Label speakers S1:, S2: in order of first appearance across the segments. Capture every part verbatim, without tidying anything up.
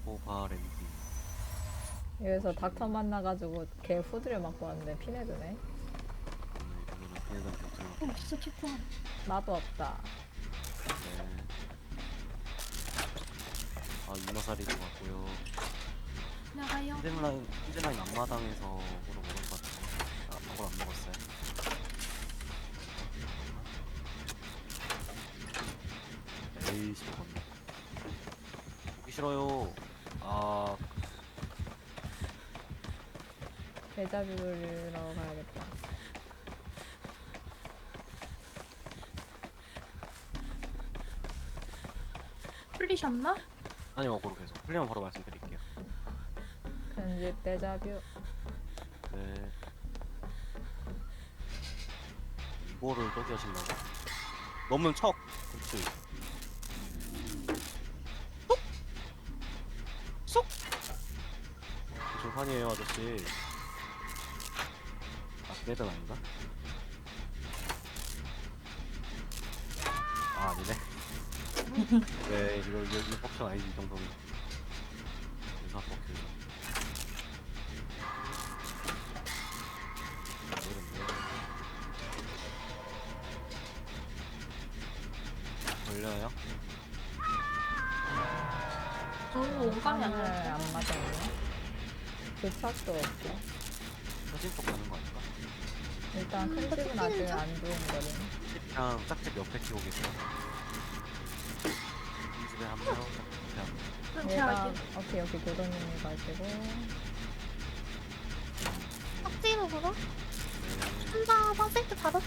S1: 포바랜디.
S2: 여기서 닥터 만나가지고 걔 후드를 맞고 왔는데 피내드네.
S1: 오늘 이번에는 피해자한테 어떻게
S3: 어, 진짜 좋구나.
S2: 나도 없다.
S1: 네. 아, 이마살이도 같고요.
S3: 나가요.
S1: 힌젠라인, 힌젠라인 앞마당에서 보러 먹을 것 같아요. 아, 그걸 안 먹었어요. 에이씨, 먹었네. 보기 싫어요. 아,
S2: 데자뷰를 가야겠다.
S3: 풀리셨나?
S1: 아니요, 고로 계속. 풀리면 바로 말씀드릴게요.
S2: 편집 데자뷰.
S1: 네. 이거를 저기 하신다고? 넘는 척! 그렇지. 쏙! 쏙! 조판이에요, 아저씨. 아, 매든 아닌가? 아, 아니네. 네, 이거, 이거, 이거 뻑션 아니지, 이 정도는. 유사 뻑션. 모르겠네. 걸려요?
S3: 오, 오감이 안
S2: 하늘
S3: 나요.
S2: 안 맞았네. 교착도 없고.
S1: 사진 쪽 가는 거 아닐까?
S2: 일단
S3: 음,
S2: 큰
S3: 이거
S2: 집은 아직
S3: 튀기는
S2: 안 두근거리네.
S1: 집이랑 짝집 옆에 키고 계세요. 이 집에 한 명, 짝집 옆에 한 명.
S3: 그럼 제가
S2: 얘가
S3: 할게요.
S2: 오케이 오케이 교도님이 가시고
S3: 깍지로 걸어?
S1: 네.
S3: 혼자 선셋트 받았.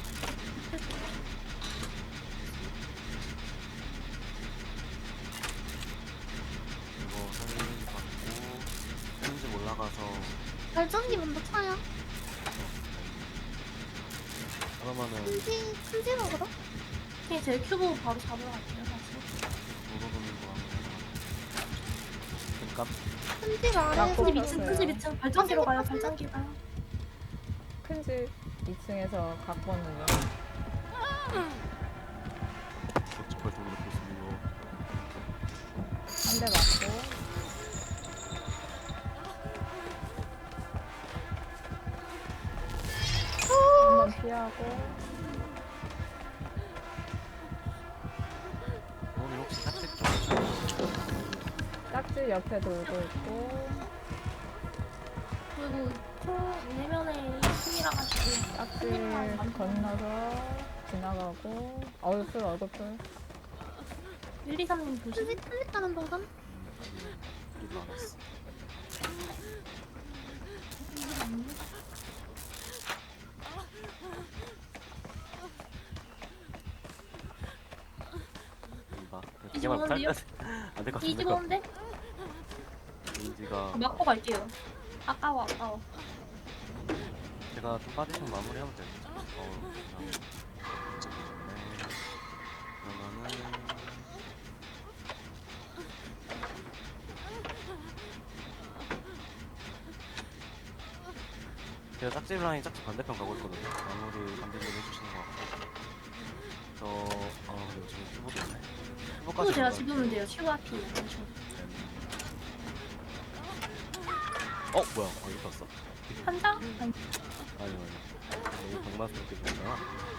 S1: 이거 사진 받고 큰집 올라가서
S3: 발전기 먼저 차요.
S1: 그러면은
S3: 큰지, 큰지로 걸어? 오케이, 제 큐브 바로 잡으러 갈게요, 다시.
S1: 도로 도는 거 하면 그니까
S3: 큰집 아래,
S2: 나
S3: 큰집
S2: 꼭
S3: 이 층,
S2: 떴어요.
S3: 큰집 이 층. 발전기로 가요, 발전기 가요.
S2: 큰 집 이 층에서 갖고 왔는 중.
S1: 저쪽발 좀 놓고 있으면
S2: 한 대 맞고 한 번 피하고
S1: 오늘 혹시 짝집 쪽
S2: 짝집 옆에 돌고 있고
S3: 그리고 총 내면에 힘이라 가지고.
S2: 짝집 건너서 지나가고 얼굴 얼굴풀
S3: 일, 이, 삼님 보시. 큰집, 큰집 가는 동선?
S1: 음, 우리도 안 왔어. 이봐.
S3: 이제
S1: 그냥
S3: 오는데요?
S1: 안될 것
S3: 이집
S1: 같은데.
S3: 오는데?
S1: 민지가
S3: 맞고 갈게요. 아까워, 아까워.
S1: 제가 좀 빠지시면 마무리하면 되겠죠. 어, 그냥 이쪽이 좋네. 그러면은 제가 짝집 라인 짝집 반대편 가고 있거든요. 마무리 반대편 해주시는 것 같고 저... 아 근데 지금 큐브도 있네. 큐브까지
S3: 또 제가
S1: 올라갈게요.
S3: 지우면 돼요. 슈가피
S1: 어? 뭐야? 어 이렇게 왔어?
S3: 한 장? 아니,
S1: 아니 아니 너무 경마스럽게 보였잖아.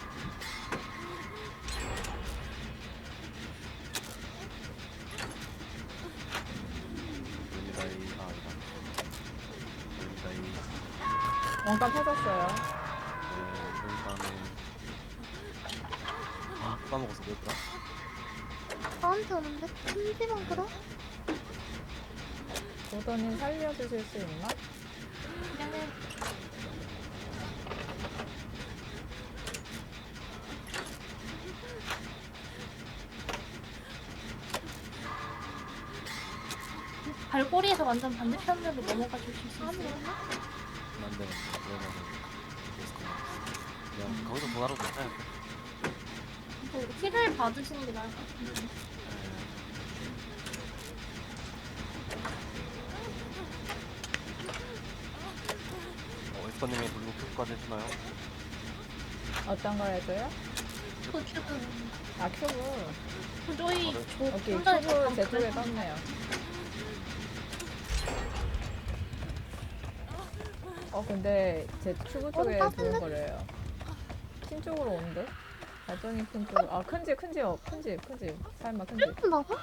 S1: 열리다이... 아 아니다. 열리다이...
S2: 원가 터졌어요.
S1: 네 일단은... 아 까먹었어. 뭐였더라?
S3: 나한테 오는데? 큰집은 그래?
S2: 도도님 살려주실 수 있나?
S3: 그냥 해. 발꼬리에서 완전 반대편으로 넘어가 주실 수 있어요?
S1: 안돼 안돼. 그러면은 그냥 거기서 보나로 괜찮아요.
S3: 뭐 힐을 받으시는 게 나을 것 같은데.
S1: 어, 에스커님이 블루 큐브까지 해주나요?
S2: 어떤 걸 해줘요?
S3: 큐브 큐브.
S2: 아 큐브.
S3: 저희
S1: 저를-
S3: 저
S2: 오케이
S3: 혼자
S2: 큐브 제 쪽에 떴네요. 어 근데 제 큐브 쪽에
S3: 어,
S2: 두근거려요. 핀 쪽으로 오는데? 발전이 핀 쪽. 아 큰 집 큰 집 어, 큰 집 큰 집. 설마 큰 집.
S3: 음, 먹어?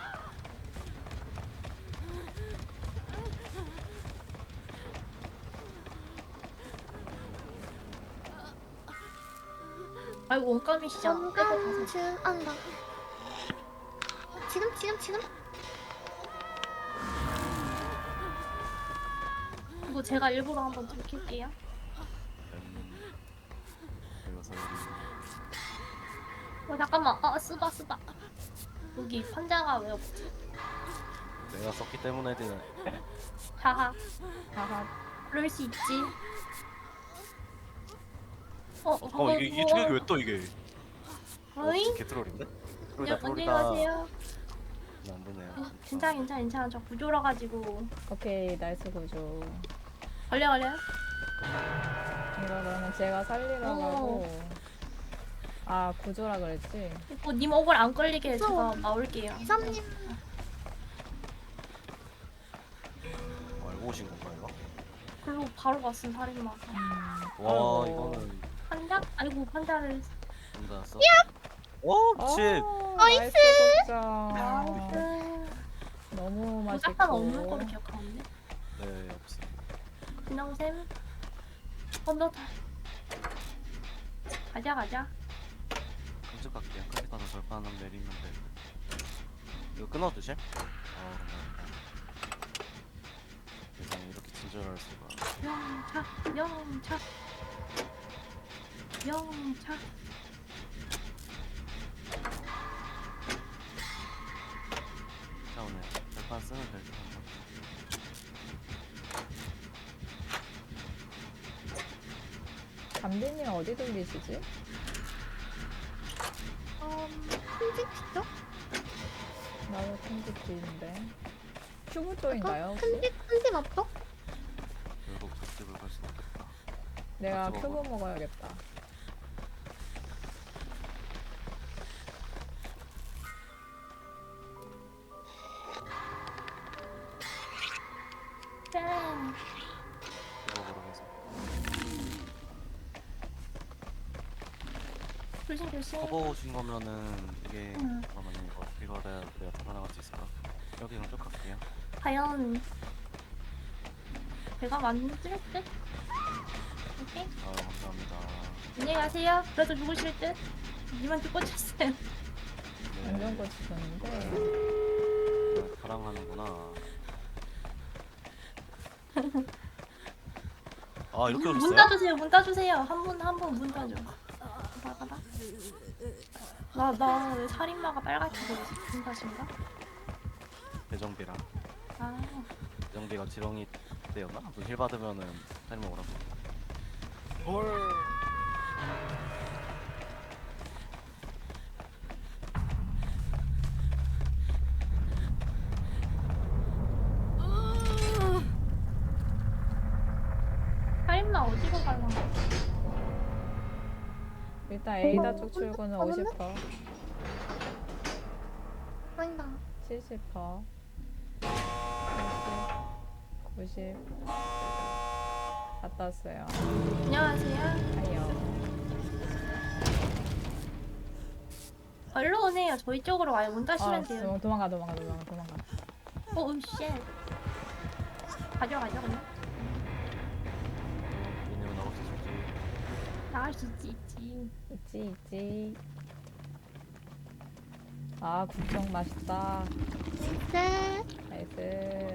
S3: 아이고 원감이시죠?
S4: 원감 중 안다. 지금 지금 지금
S3: 이거 제가 일부러 한번 들킬게요.
S1: 음, 그래서 우리
S3: 어 잠깐만. 아 쓰다 쓰다. 여기 판자가 왜 없지?
S1: 내가 썼기 때문에 되는.
S3: 하하.
S2: 하하.
S3: 그럴 수 있지. 어,
S1: 어 이게 이게 충격이 왜 또 이게? 어,
S3: 어잉?
S1: 개트롤인데?
S3: 네,
S1: 트롤이다
S3: 안녕히
S1: 트롤이다.
S3: 가세요.
S1: 안 보네요.
S3: 괜찮아, 괜찮아, 괜찮아. 저 구조라가지고.
S2: 오케이 나이스 구조.
S3: 걸려, 걸려.
S2: 이거는 제가 살리러
S3: 어.
S2: 가고. 아 구조라 그랬지?
S3: 이거 님 억울 안 걸리게
S4: 무서워.
S3: 제가 나올게요.
S4: 이삼님
S1: 어, 알고 오신 건가 이거?
S3: 글로 바로 갔음, 살인마.
S2: 음.
S1: 와
S2: 아이고.
S1: 이거는
S3: 판자? 아이고, 판자를.
S1: 혼자 써. 오 미친.
S2: 어,
S4: 나이스!
S2: 곡장.
S3: 나이스.
S2: 너무 맛있고.
S3: 무작한 없는 거로 기억하는데.
S1: 네 없어.
S3: 그냥 쌤. 건너 다. 가자, 가자.
S1: 끔찍 갈게요. 끔찍 가서 절판 하나 내리면 돼. 이거 끊어주실? 아 감사합니다. 세상에 이렇게 친절할 수가.
S3: 영차, 영차. 영차.
S1: 자 오늘 절판 쓰면 될 듯 한가?
S2: 담비님 어디 돌리시지?
S4: 음, 큰집이죠?
S2: 나도 큰집 뒤인데. 큐브 쪽인가요 혹시?
S4: 큰집 큰집 앞쪽?
S1: 결국 저집을 갈 수는 없겠다.
S2: 내가
S1: 같이
S2: 큐브
S1: 먹어.
S2: 먹어야겠다.
S3: 짠.
S1: 이거 보러 가서.
S3: 조심, 조심.
S1: 커버 오신 거면은 이게
S3: 응.
S1: 잠깐만요 이거 이거를 내가 다 나갈 수 있을까? 여기 그럼 쭉 갈게요.
S3: 과연 배가 만질 듯? 오케이.
S1: 아 감사합니다.
S3: 안녕히 가세요. 그래도 죽으실 듯. 님한테 꽂혔어요.
S1: 네.
S2: 완전 꽂히셨는데.
S1: 아, 사랑하는구나. 아 이렇게
S3: 문
S1: 오셨어요?
S3: 따주세요. 문 따주세요. 한 분 한 분 문 따줘. 나가다. 나나 왜 살인마가 빨갛게 보이지? 문 따신가?
S1: 대정비랑
S3: 아
S1: 대정비가 지렁이 때였나? 힐 받으면은 살인 먹으라고. 헐.
S3: 살인마 어디로 가려나?
S2: 일단 에이다 쪽 출구는
S4: 어,
S2: 오십 퍼센트,
S4: 아니다.
S2: 칠십 퍼센트, 구십, 구십. 갔다 왔어요.
S3: 안녕하세요.
S2: 아이요.
S3: 얼른 오네요. 저희 쪽으로 와요. 문 따시면
S2: 아,
S3: 돼요.
S2: 도- 도망가, 도망가, 도망가, 도망가.
S3: 어, 우 쉣. 가져가죠 그냥.
S1: 얘네가 나올 수 있을지.
S3: 나갈 수 있지 있지.
S2: 있지, 있지. 아, 국정 맛있다.
S4: 네.
S2: 나이스.